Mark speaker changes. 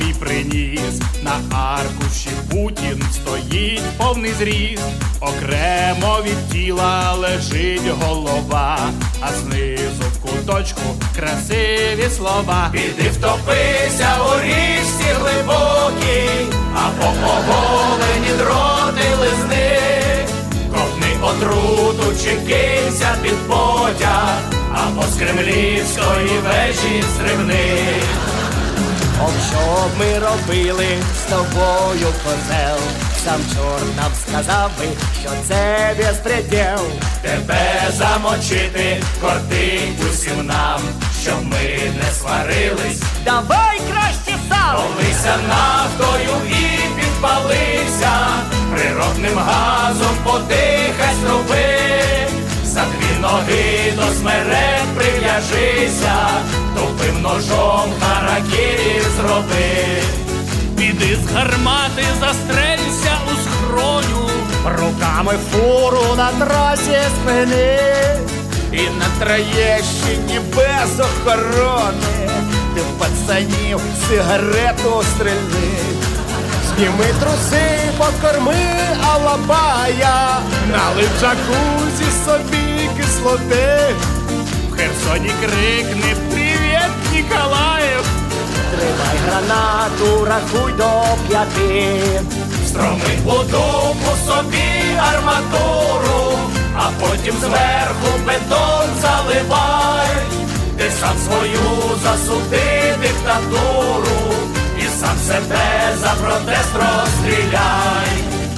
Speaker 1: свій приніс. На аркуші Путін стоїть повний зріст. Окремо від тіла лежить голова, а знизу в куточку красиві слова. Піди втопися у річці глибокій, або оголені дроти лизни. Ковтни отруту чи кинься під потяг, або з кремлівської вежі стрибни.
Speaker 2: Ох, що б ми робили з тобою, козел? Сам чорт нам сказав би, що це безпреділ.
Speaker 1: Тебе замочити кортить усім нам, щоб ми не сварились.
Speaker 2: Давай краще сам!
Speaker 1: Полися нафтою і підпалися, природним газом подихай з труби. За дві ноги до смерек прив'яжися, тупим ножом харакірі зроби.
Speaker 3: Піди з гармати, застрелься у схроню,
Speaker 2: Руками фуру на трасі спини,
Speaker 1: І на Троєщині без охорони
Speaker 2: ти в пацанів сигарету стрільни. Зніми труси, покорми алабая,
Speaker 1: налив джакузі собі кислоти. В Херсоні крикни «Привіт, Ніколаїв!»
Speaker 2: тримай гранату, рахуй до 5.
Speaker 1: Строми у дупу собі арматуру, а потім зверху бетон заливай. Ти сам свою засуди диктатуру і сам себе за протест розстріляй.